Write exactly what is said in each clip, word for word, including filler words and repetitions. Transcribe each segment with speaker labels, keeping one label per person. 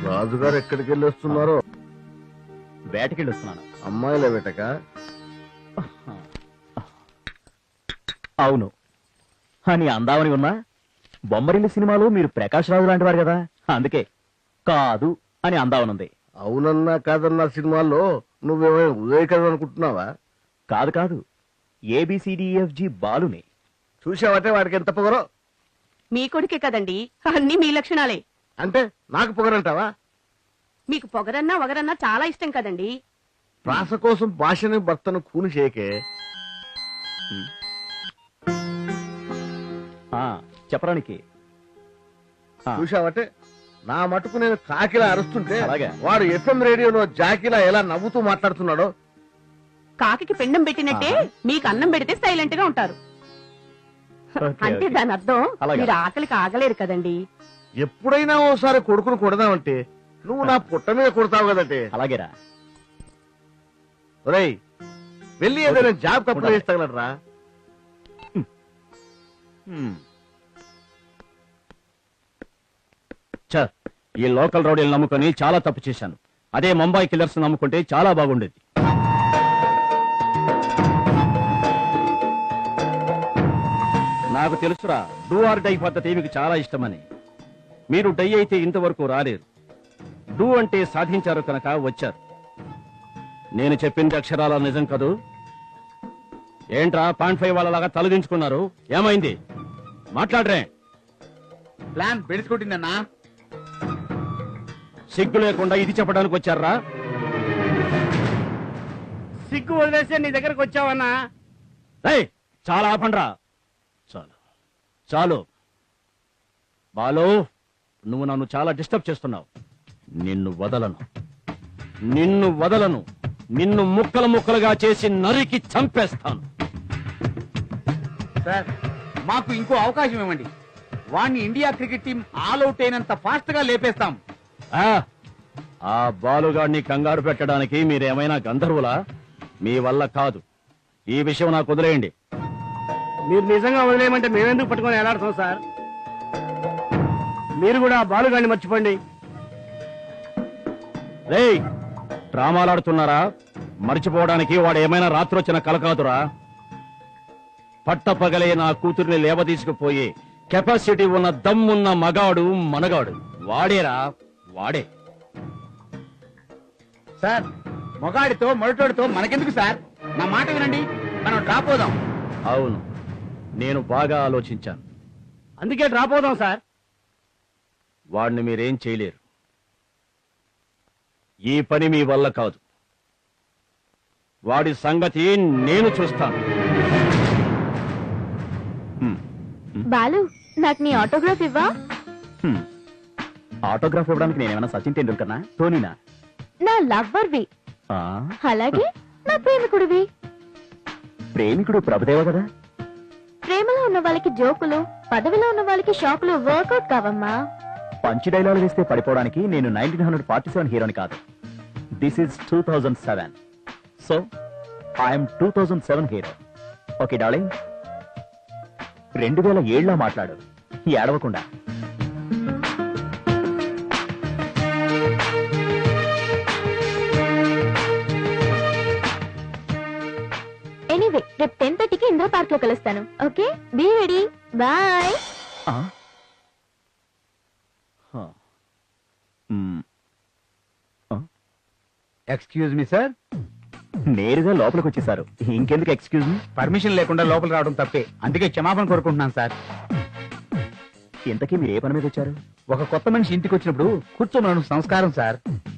Speaker 1: రాజుగారు ఎక్కడికి వెళ్ళి వస్తున్నారో?
Speaker 2: వేటకెళ్ళి వస్తున్నాను.
Speaker 1: అమ్మాయిల వేటక?
Speaker 2: అవును. అని అందామని ఉన్నా బొమ్మరిల్లు సినిమాలో మీరు ప్రకాష్ రాజు లాంటి వారు కదా, అందుకే కాదు అని అందామనుంది.
Speaker 1: అవునన్నా కాదన్నా సినిమాల్లో నువ్వేమైనా ఉదయ్ కదా అనుకుంటున్నావా?
Speaker 2: కాదు కాదు, ఏబిసిడిఎఫ్జి బాలుని.
Speaker 1: చూసావటే వాడికి ఎంత పొగరో.
Speaker 3: మీ కొడుకే కదండి, అన్ని మీ లక్షణాలే.
Speaker 1: అంటే నాకు పొగరంటావా?
Speaker 3: మీకు పొగరన్నా వగరన్నా చాలా ఇష్టం కదండి.
Speaker 1: ప్రాస కోసం భాషని భర్తను కూని చేయకే.
Speaker 2: చెప్పడానికి
Speaker 1: చూసావటే నా మటుకు నేను కాకిలా అరుస్తుంటే
Speaker 2: అలాగే
Speaker 1: వాడు ఎఫ్ఎం రేడియోలో జాకిలా ఎలా నవ్వుతూ మాట్లాడుతున్నాడో.
Speaker 3: కాకి పిండం పెట్టినట్టే మీకు అన్నం పెడితే సైలెంట్ గా ఉంటారు. అంటే దాని అర్థం మీరు ఆకలికి ఆగలేరు కదండి.
Speaker 1: ఎప్పుడైనా ఓసారి కొడుకును కొడదామంటే నువ్వు నా పుట్ట మీద కొడతావు కదంటే.
Speaker 2: అలాగేరా.
Speaker 1: ఒరేయ్, వెళ్ళి ఏదైనా జాబ్ అప్లై చేస్తాగలరా?
Speaker 2: ఈ లోకల్ రౌడీలు నమ్ముకొని చాలా తప్పు చేశాను. అదే ముంబై కిల్లర్స్ నమ్ముకుంటే చాలా బాగుండేది. నాకు తెలుసురా, డూ ఆర్ డై పద్ధతి మీకు చాలా ఇష్టమని. మీరు డై అయితే ఇంతవరకు రాలేరు. డూ అంటే సాధించారు కనుక వచ్చారు. నేను చెప్పింది అక్షరాల నిజం కదూ? ఏంట్రా పాయింట్ ఫైవ్ వాళ్ళలాగా తలదించుకున్నారు? ఏమైంది? మాట్లాడరే.
Speaker 4: ప్లాన్ బెడిసికొట్టిందన్నా.
Speaker 2: సిగ్గు లేకుండా ఇది చెప్పడానికి వచ్చారా?
Speaker 4: సిగ్గు వదిలేస్తే నీ దగ్గరకు వచ్చావన్నా.
Speaker 2: రేయ్, చాలా ఆపండ్రా. చాలు చాలు బాలు, నువ్వు నన్ను చాలా డిస్టర్బ్ చేస్తున్నావు. నిన్ను వదలను, నిన్ను వదలను. నిన్ను ముక్కలు ముక్కలుగా చేసి నరికి చంపేస్తాను.
Speaker 4: సార్, మాకు ఇంకో అవకాశం ఇవ్వండి. వాణ్ణి India cricket team all out అయినంత ఫాస్ట్ గా లేపేస్తాం.
Speaker 2: ఆ బాలుగాడిని కంగారు పెట్టడానికి మీరేమైనా గంధర్వులా? మీ వల్ల కాదు. ఈ విషయం నాకు వదిలేయండి.
Speaker 4: మీరు నిజంగా వదిలేయమంటే మేమెందుకు పట్టుకొని ఎలాడతాం సార్? మీరు కూడా ఆ బాలుగాడిని మర్చిపోండి.
Speaker 2: రేయ్, డ్రామాలాడుతున్నారా? మర్చిపోవడానికి వాడు ఏమైనా రాత్రి వచ్చిన కల కాదురా. పట్టపగలే నా కూతుర్ని లేవదీసుకుపోయి కెపాసిటీ ఉన్న దమ్మున్న మగాడు మనగాడు వాడేరా, వాడే.
Speaker 4: సార్, మొగాడితో మొరటోడితో మనకెందుకు సార్? నా మాట వినండి, మనం డ్రాప్ అవుదాం.
Speaker 2: అవును, నేను బాగా ఆలోచించాను.
Speaker 4: అందుకే డ్రాప్ అవుదాం సార్.
Speaker 2: వాడిని మీరేం చేయలేరు. ఈ పని మీ వల్ల కాదు. వాడి సంగతి నేను చూస్తాను.
Speaker 5: బాలు, నాకు నీ ఆటోగ్రాఫ్ ఇవ్వా?
Speaker 2: ఆటోగ్రాఫ్ ఇవ్వడానికి నేనేమైనా సచిన్ టెండూల్కర్నా, ధోనీనా?
Speaker 5: నా లవ్వర్వి, అలాగే నా ప్రేమికుడివి.
Speaker 2: ప్రేమికుడు ప్రభుదేవ కదా.
Speaker 5: ప్రేమలో ఉన్న వాళ్ళకి జోకులు, పదవిలో ఉన్న వాళ్ళకి షాకులు వర్కౌట్ కావమ్మా.
Speaker 2: పంచి డైలాగ్ వేస్తే పడిపోవడానికి నేను నైన్టీన్ హండ్రెడ్ ఫార్టీ సెవెన్ హీరోని కాదు. This is two thousand seven. So I'm two thousand seven hero. Okay darling, రెండు వేల ఏడులో మాట్లాడు, ఏడవకుండా.
Speaker 5: ఎనీవే, రేపు టెన్ థర్టీకి ఇందిరా పార్క్ లో కలుస్తాను. Okay, be ready. Bye.
Speaker 4: Excuse me sir.
Speaker 2: నేరుగా లోపలికి వచ్చేసారు, ఇంకెందుకు ఎక్స్క్యూజ్ మీ?
Speaker 4: పర్మిషన్ లేకుండా లోపల రావడం తప్పే, అందుకే క్షమాపణ కోరుకుంటున్నాను సార్.
Speaker 2: ఇంతకీ మీరు ఏ పని మీద వచ్చారు?
Speaker 4: ఒక కొత్త మనిషి ఇంటికి వచ్చినప్పుడు కూర్చోమనడం సంస్కారం సార్.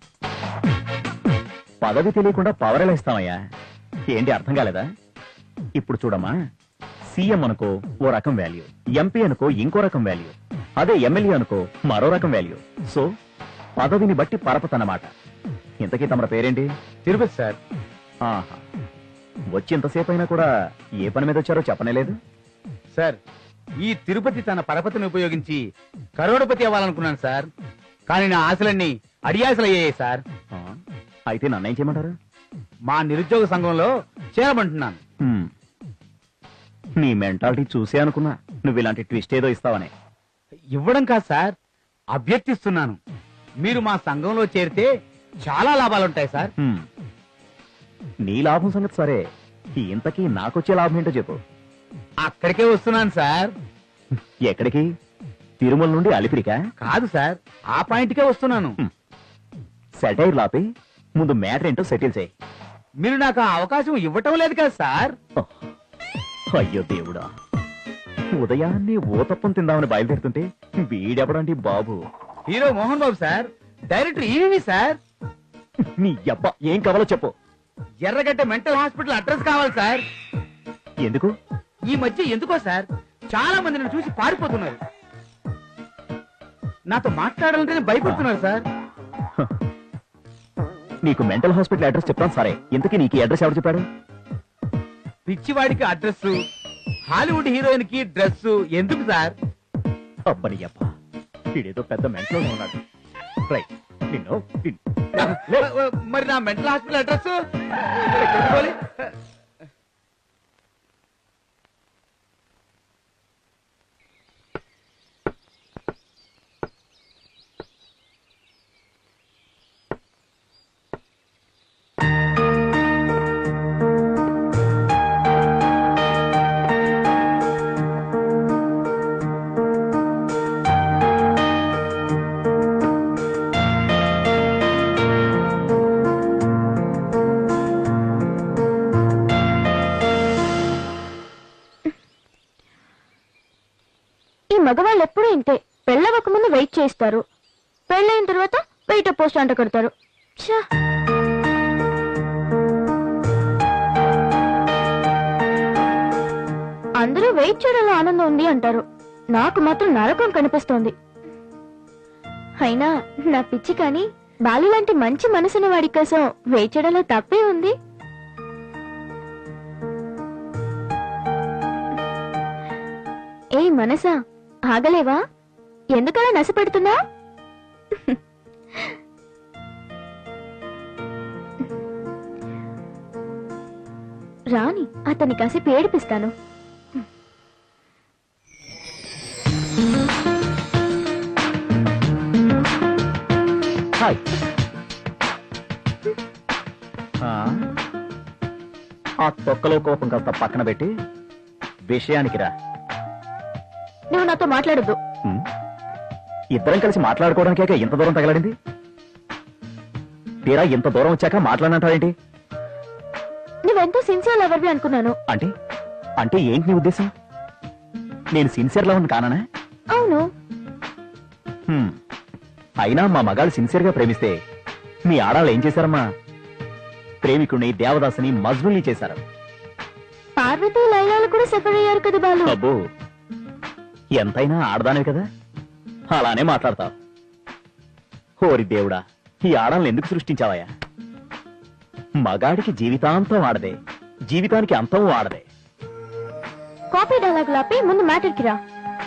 Speaker 2: పదవి తెలియకుండా పవర్ ఎలా ఇస్తామయ్యా? ఏంటి అర్థం కాలేదా? ఇప్పుడు చూడమ్మా, సీఎం అనుకో ఓ రకం వాల్యూ, ఎంపీ అనుకో ఇంకో రకం వాల్యూ, అదే ఎమ్మెల్యే అనుకో మరో రకం వాల్యూ. సో పదవిని బట్టి పరపతన్నమాట. ఇంతకీ తమ పేరేంటి?
Speaker 4: తిరుపతి సార్.
Speaker 2: ఆహా, వచ్చి ఇంతసేపు అయినా కూడా ఏ పని మీద వచ్చారో చెప్పనేలేదు
Speaker 4: సార్. ఈ తిరుపతి తన పరపతిని ఉపయోగించి కరోడపతి అవ్వాలనుకున్నాను సార్, కానీ నా ఆశలన్నీ అడియాసలు అయ్యాయి సార్.
Speaker 2: అయితే నన్నేం చేయమంటారు?
Speaker 4: మా నిరుద్యోగ సంఘంలో చేరమంటున్నాను.
Speaker 2: నీ మెంటాలిటీ చూసే అనుకున్నా నువ్వు ఇలాంటి ట్విస్ట్ ఏదో ఇస్తావని.
Speaker 4: ఇవ్వడం కాదు సార్, అభ్యర్థిస్తున్నాను. మీరు మా సంఘంలో చేరితే చాలా లాభాలుంటాయి సార్.
Speaker 6: హ్మ్. నీ లాభం సంగతి సరే, ఇంతకీ నాకొచ్చే లాభం ఏంటో చెప్పు.
Speaker 4: అక్కడికే వస్తున్నాను సార్.
Speaker 6: ఎక్కడికి? తిరుమల నుండి అలిపిరికా?
Speaker 4: కాదు సార్, ఆ పాయింట్కే వస్తున్నాను.
Speaker 6: సెటైర్ లాపి ముందు మ్యాటర్ ఏంటో సెటిల్ చేయి.
Speaker 4: మీరు నాకు ఆ అవకాశం ఇవ్వటం లేదు కదా సార్.
Speaker 6: అయ్యో దేవుడా, ఉదయాన్నే ఊతప్పం తిందామని బయలుదేరుతుంటే వీడెవడండి బాబు?
Speaker 4: Hero Mohan Babu sir, director EV sir.
Speaker 6: నీ అబ్బా ఏం కావాలో చెప్పు.
Speaker 4: ఎర్రగడ్డ మెంటల్ హాస్పిటల్ అడ్రస్ కావాలి సార్.
Speaker 6: ఎందుకు?
Speaker 4: ఈ మధ్య ఎందుకో సార్ చాలా మంది నన్ను చూసి పారిపోతున్నారు. నాతో మాట్లాడాలంటేనే భయపడుతున్నారు సార్.
Speaker 6: నీకు మెంటల్ హాస్పిటల్ అడ్రస్ చెప్తాను సరే, ఇంతకీ నీకు ఈ అడ్రస్ ఎవరు చెప్పాడు?
Speaker 4: పిచ్చివాడికి అడ్రస్, హాలీవుడ్ హీరోయిన్ కి డ్రెస్ ఎందుకు సార్?
Speaker 6: అబ్బని అబ్బా, వీడేదో పెద్ద మెంటల్ ఉన్నాడు. రైట్, నిన్ను నిన్ను-
Speaker 4: మరి నా మెంటల్ హాస్పిటల్ అడ్రస్
Speaker 5: మగవాళ్ళు ఎప్పుడూ ఇంతే, పెళ్ళవక ముందు వెయిట్ చేస్తారు, పెళ్ళైన తర్వాత వెయిట్ పోస్ట్ అంట కడతారు. ఛా! అందరూ వెయిట్ చేయడంలో ఆనందం ఉంది అంటారు, నాకు మాత్రం నరకం కనిపిస్తోంది. అయినా నా పిచ్చి కానీ బాలు లాంటి మంచి మనసున్న వాడి కోసం వెయిట్ చేయడంలో తప్పే ఉంది. ఏ మనసా, ఆగలేవా? ఎందుకలా నశపెడుతున్నా? రాని అతన్ని కాసేపు ఏడిపిస్తాను.
Speaker 6: హాయ్. ఆ, ఆ తొక్కలో కోపం కాస్త పక్కన పెట్టి విషయానికి రా.
Speaker 5: నువ్వు నాతో మాట్లాడద్దు.
Speaker 6: హ్మ్. ఇద్దరం కలిసి మాట్లాడుకోవడానికే ఇంత దూరం తగలడింది. తీరా ఇంత దూరం వచ్చాక మాట్లాడనంటావేంటి?
Speaker 5: నువ్వెంతో సిన్సియర్ లవర్వి అనుకున్నాను.
Speaker 6: అంటే అంటే ఏంటి నీ ఉద్దేశం? నేను సిన్సియర్ లవర్ని కానా?
Speaker 5: అవును.
Speaker 6: హ్మ్. అయినా మా మగాళ్ళు సిన్సియర్ గా ప్రేమిస్తే మీ ఆడాళ్ళు ఏం చేశారమ్మా? ప్రేమికుడిని, దేవదాసుని, మజ్నుల్ని చేశారు.
Speaker 5: పార్వతీ లైలాలు కూడా సఫర్ అయ్యారు కదా బాలు.
Speaker 6: అబ్బో, ఎంతైనా ఆడదానే కదా, అలానే మాట్లాడతావు. హోరి దేవుడా, ఈ ఆడాలను ఎందుకు సృష్టించావయ్యా? మగాడికి జీవితాంతం ఆడదే, జీవితానికి అంతం ఆడదే.
Speaker 5: కాపీ డైలాగ్ లాపి ముందు మ్యాటర్కి రా.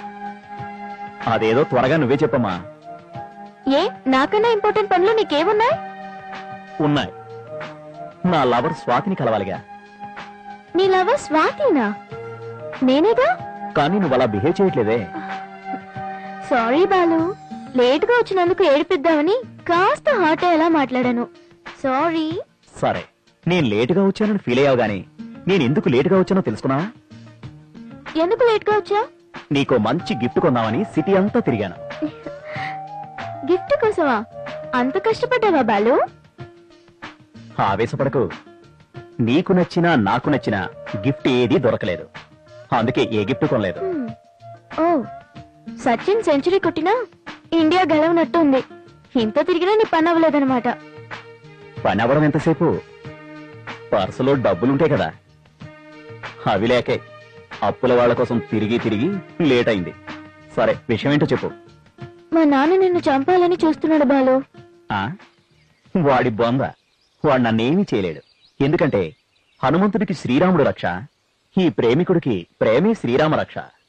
Speaker 6: అదేదో త్వరగా నువ్వే చెప్పమ్మా.
Speaker 5: ఏ, నాకన్నా ఇంపార్టెంట్ పనులు నీకేమున్నాయి?
Speaker 6: ఉన్నాయి. నా లవర్ స్వాతిని కలవాలిగా.
Speaker 5: నీ లవర్ స్వాతినా? నేనేగా.
Speaker 6: కానీ నువ్వు అలా బిహేవ్ చేయట్లేదే.
Speaker 5: సారీ బాలు, లేట్ గా వచ్చినందుకు ఏడిపిద్దామని కాస్త హాట్ అయ్యేలా మాట్లాడాను. సారీ.
Speaker 6: సరే, నేను లేటుగా వచ్చానని ఫీల్ అయ్యావు గానీ నేను ఎందుకు లేటుగా వచ్చానో తెలుసుకున్నావా?
Speaker 5: ఎందుకు లేట్ గా వచ్చా?
Speaker 6: నీకో మంచి గిఫ్ట్ కొందామని సిటీ అంతా తిరిగాను.
Speaker 5: గిఫ్ట్ కోసమా? అంత కష్టపడ్డావా బాలు?
Speaker 6: ఆవేశపడకు. నీకు నచ్చినా నాకు నచ్చినా గిఫ్ట్ ఏదీ దొరకలేదు, అందుకే ఏ గిఫ్ట్ కొనలేదు.
Speaker 5: హ్మ్. ఓ, సచిన్ సెంచరీ కొట్టినా ఇండియా గెలవనట్టు ఉంది. ఇంత తిరిగినా నీ పని అవ్వలేదన్నమాట.
Speaker 6: పని అవ్వడం ఎంతసేపు? పర్సులో డబ్బులుంటే కదా. అవి లేకే అప్పుల వాళ్ళ కోసం తిరిగి తిరిగి లేట్ అయింది. సరే, విషయం ఏంటో చెప్పు.
Speaker 5: మా నాన్న నిన్ను చంపాలని చూస్తున్నాడు బాలు.
Speaker 6: ఆ వాడి బొంద, వాడు నన్నేమీ చేయలేడు. ఎందుకంటే హనుమంతుడికి శ్రీరాముడు రక్ష, ఈ ప్రేమికుడికి ప్రేమే శ్రీరామ రక్ష.